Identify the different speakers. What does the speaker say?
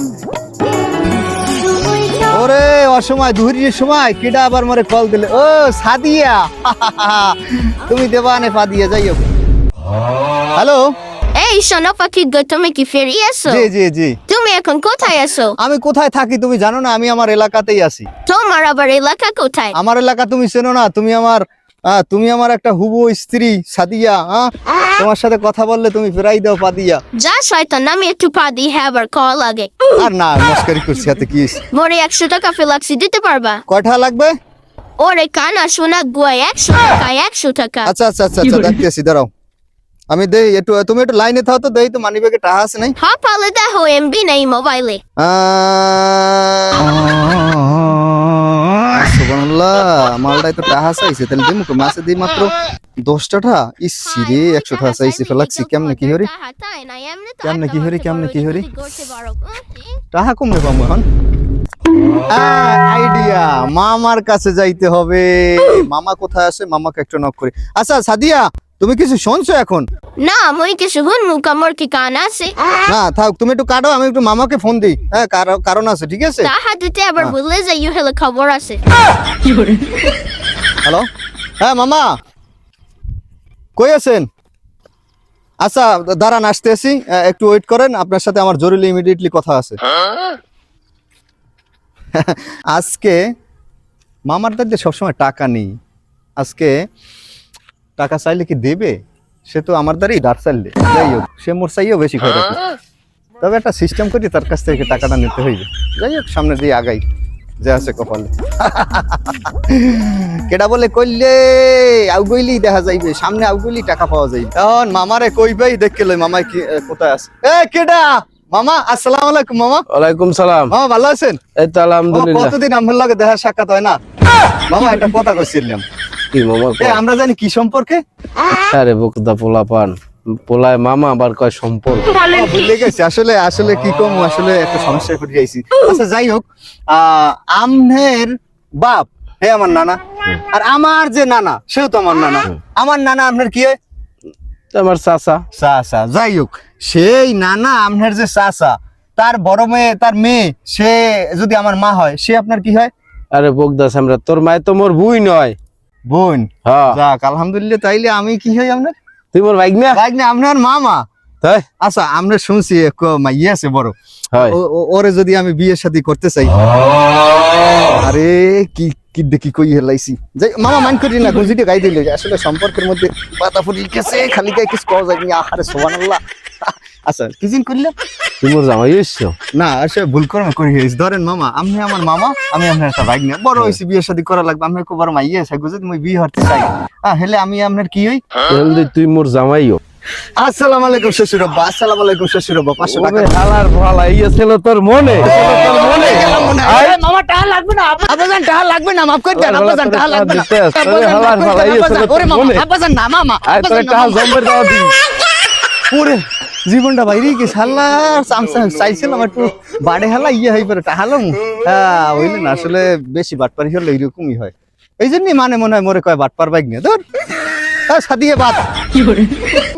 Speaker 1: ওরে অসময় দুহরির সময় কেডা আবার মরে কল দিলে। ও সাদিয়া, তুমি দেবানে ফাদিয়া যাইও। হ্যালো,
Speaker 2: এই শোনো পাখি গো, তুমি কি ফিরে এসো?
Speaker 1: জি জি জি।
Speaker 2: তুমি এখন কোথায় আছো?
Speaker 1: আমি কোথায় থাকি তুমি জানো না? আমি আমার এলাকাতেই আছি।
Speaker 2: তোমার আবার এলাকা কোথায়?
Speaker 1: আমার এলাকা তুমি চেনো না? তুমি আমার একটা হুবু স্ত্রী সাদিয়া। তোমার সাথে কথা বললে তুমি ফেরাই দাও পাদিয়া।
Speaker 2: যা শয়তান, আমি একটু পা দিই, হ্যাঁ আবার কল লাগে।
Speaker 1: আর না, মস্কারি করছি, হাতে কি হইছে?
Speaker 2: মোরে 100 টাকা ফেলাক্সি দিতে পারবা?
Speaker 1: কয়টা লাগবে?
Speaker 2: ওরে কানা শোনা গুয়া 100 টাকা, 100 টাকা।
Speaker 1: আচ্ছা আচ্ছা আচ্ছা আচ্ছা, দেখতেছি, দাঁড়াও আমি দেই একটু, তুমি একটু লাইনে থাও তো, দেই তো মানি ব্যাগে টাকা আছে নাই?
Speaker 2: হ্যাঁ পালে দেখো, এমবি নেই মোবাইলে।
Speaker 1: সুবহানাল্লাহ, মালটাই তো টাকা চাইছে, তাহলে দিমু কো? মাসে দিই মাত্র 10 টাকা। ইসি রে, 100 টাকা চাইছে ফেলাক্সি, কেমনে কি হরি? কেমনে কি হরি, কেমনে কি হরি? টাকা কমে পাবো এখন। আইডিয়া, মামার কাছে যাইতে হবে। মামা কোথায় আছে? মামাকে একটু নক করি। আচ্ছা সাদিয়া, তুমি কিছু শুনছো এখন?
Speaker 2: না মই কিছু হুন মুকা, মোর কি কান আছে?
Speaker 1: না থাক, তুমি একটু কাটো, আমি একটু মামাকে ফোন দিই। হ্যাঁ, কারণ আছে, ঠিক আছে?
Speaker 2: তাহা দিতে আবার বললে যে ইউ হলে খবর আছে।
Speaker 1: হ্যালো, হ্যাঁ মামা, কই আছেন? আচ্ছা দাঁড়ান, আসতেছি, একটু ওয়েট করেন, আপনার সাথে আমার জরুরি ইমিডিয়েটলি কথা আছে। আজকে মামার দাদিতে সবসময় টাকা নেই, আজকে টাকা চাইলে কি দেবে? সে তো আমার দ্বারাই দাঁড় চাইলে, যাই হোক সে মোর চাইও বেশি করে রাখে, তবে একটা সিস্টেম করি তার কাছ থেকে টাকাটা নিতে হইবে। যাই হোক, সামনে দিয়ে আগাই, যে আছে কপালে। কেডা বলে কইলে আউগইলি দেখা যাইবে, সামনে আউগইলি টাকা পাওয়া যাইবে। এখন মামারে কইবেই দেখকে লই মামাই কি কোথায় আছে। এ কেডা? মামা, আসসালামু আলাইকুম। মামা,
Speaker 3: ওয়ালাইকুম সালাম।
Speaker 1: মামা ভালো আছেন?
Speaker 3: এই তো আলহামদুলিল্লাহ।
Speaker 1: কতদিন আমার লাগে দেখা সাক্ষাৎ হয় না। মামা একটা কথা কইছিলাম।
Speaker 3: কি মামা?
Speaker 1: আমরা জানি কি সম্পর্কে?
Speaker 3: আরে বুকদা পোলা পান, পোলায় মামা আবার কয় সম্পর্ক।
Speaker 1: ভুলে গেছি, আসলে কি কম, আসলে একটা সমস্যায় পড়ে গেছি। আচ্ছা যাই হোক, আমনের বাপ হে আমার নানা, আর আমার যে নানা সেও তো আমার নানা। আমার নানা আপনার কি হয়?
Speaker 3: আমার চাচা।
Speaker 1: চাচা। যাই হোক, সেই নানা আপনার যে চাচা, তার বড় মেয়ে, তার মেয়ে, সে যদি আমার মা হয়, সে আপনার কি হয়?
Speaker 3: আরে বুকদা সামরা, তোর মায় তো মোর বুই নয়,
Speaker 1: বোন।
Speaker 3: হ্যাঁ।
Speaker 1: যাক আলহামদুলিল্লাহ, তাইলে আমি কি হই আপনার?
Speaker 3: তুই মোর ভাই না?
Speaker 1: ভাই না, আপনার মামা।
Speaker 3: তাই?
Speaker 1: আচ্ছা, আমরা শুনছি ইয়ে আছে বড়,
Speaker 3: হয়।
Speaker 1: ওরে যদি আমি বিয়ে শাদী করতে চাই, আরে কি কি দেখি কই হেলাইছি। যাই মামা, মান করি না, গুজিটি গাই দিলে আসলে সম্পর্কের মধ্যে পাতা ফুটি গেছে, খালি গায়ে কিছু কওয়া যায়নি। আহারে সুবহানাল্লাহ। আচ্ছা কি জিন করলাম?
Speaker 3: তুই মোর জামাই হইছো?
Speaker 1: না, আসলে ভুল করে গেছি। ধরেন মামা, আপনি আমার মামা, আমি আপনার একটা ভাই না, বড় হইছি, বিয়ে শাদী করা লাগবে, আমি খুব বড় মাইয়া আছে, যদি মই বিয়ে হতে চাই, হেলে আমি আপনার কি হই?
Speaker 3: তাহলে তুই মোর জামাইও।
Speaker 1: আসসালামু আলাইকুম শ্বশুর আব্বা। আসসালামু আলাইকুম শ্বশুর আব্বা। 500 টাকা।
Speaker 3: ওরে হালার ভালা, ইয়ে ছিল তোর মনে, তোর মনে।
Speaker 1: মামা টাকা লাগবে না, আব্বাজান টাকা লাগবে না, মাফ করে দেন আব্বাজান, টাকা লাগবে না।
Speaker 3: ওরে হালার ভালা, ইয়ে ছিল তোর
Speaker 1: ওরে মামা,
Speaker 3: মনে।
Speaker 1: আব্বাজান না, মামা
Speaker 3: আয় তোর টাকা জম্বের দাও দি।
Speaker 1: ওরে জীবনটা বাইরে গেছে, হাল্লা চামচা চাইছিলাম একটু বাড়ে হালা ইয়ে হই পরে টাহালাম। হইলে না, আসলে বেশি বাটপারি হলে এইরকমই হয়, এই জন্যই মানে মনে হয় মোরে কয় বাটপার বাইক নিয়ে ধর সাদিয়ে বাদ।